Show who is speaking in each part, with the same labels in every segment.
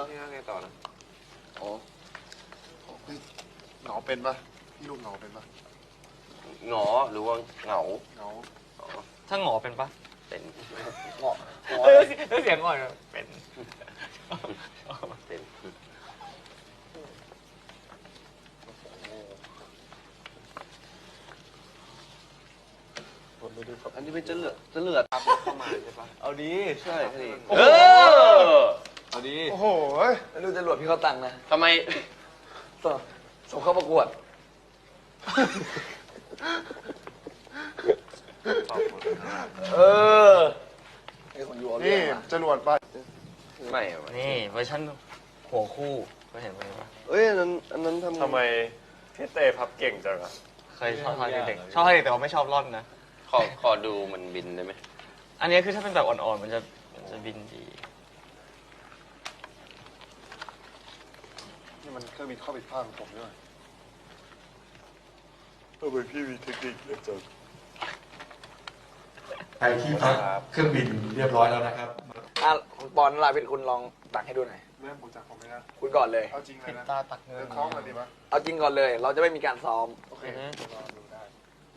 Speaker 1: นี่ไงต่อนะ
Speaker 2: อ๋อเหงาเป็นปะพี่ลูกเหงาเป็นปะ
Speaker 1: หงอหรือว่าเหงา
Speaker 3: ถ้าหงอเป็นปะ
Speaker 1: เป็น
Speaker 2: เหงา
Speaker 3: เสียงอ่อนเป็น
Speaker 1: เป็นอันนี้เป็นจะเลือดตามเข้ามาใช่ปะ
Speaker 3: เอาดี
Speaker 1: ใช่สิ
Speaker 3: เอาดี
Speaker 2: โอ้โห
Speaker 3: ดูจรวดพี่เขาตังนะ
Speaker 1: ทำไม
Speaker 3: ส่งเข้าประกวดไอ้คนอยู่
Speaker 2: นี่จรวดไป
Speaker 1: ไม่
Speaker 3: นี่เวอร์ชันหัวคู่เคยเห็นไหมปะ
Speaker 1: อันนั้น
Speaker 4: ทำไมพี่เต้พับเก่งจังอะ
Speaker 3: เคยชอบท่าเด็กชอบท่าเด็กแต่ว่าไม่ชอบร่อนนะ
Speaker 1: ขอดูมันบินได้ไหม
Speaker 3: อันนี้คือถ้าเป็นแบบอ่อนๆมันจะบินดี
Speaker 2: นี่มันเครื่องบินเข้าผิดพลาดของผมด้วยทำไมพี่มีเทคนิคเยอะจัง
Speaker 5: ใครที่พักเครื่องบินเรียบร้อยแล้วนะครับ
Speaker 3: คุณปอนลาเป็นคุณลองตักให้ดูหน่อย
Speaker 2: เริ่มผมจากผมเลยนะ
Speaker 3: คุณก่อนเลย
Speaker 2: เอาจริงเลยนะ
Speaker 3: ตาตักเงิน
Speaker 2: คล้องกันดีปะ
Speaker 3: เอาจริงก่อนเลย เราจะไม่มีการซ้อม
Speaker 2: โอเคลองดูได้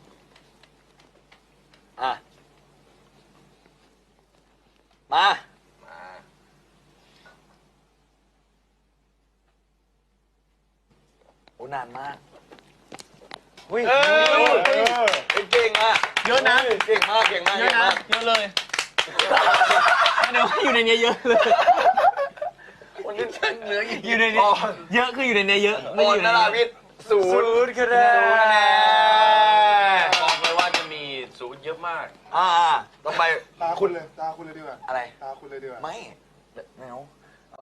Speaker 3: มาโอ้นานมากเก่งอ่ะเยอะนะเก่งมากเยอะนะเยอะเลยเดี๋ยวอยู่ในนี้เยอะเลย
Speaker 1: วันนี้ฉันเหลือ
Speaker 3: อยู่ในนี้เยอะคืออยู่ในนี้เยอะ
Speaker 1: ไม่อยู่ในนี้ศูนย์
Speaker 3: คะแนน
Speaker 1: บอกเลยว่าจะมีศูนย์เยอะมาก
Speaker 3: ต้องไป
Speaker 2: ตาคุณเลยดีกว่า
Speaker 3: อะไร
Speaker 2: ตาคุณเลยดีกว่า
Speaker 3: ไม่เอา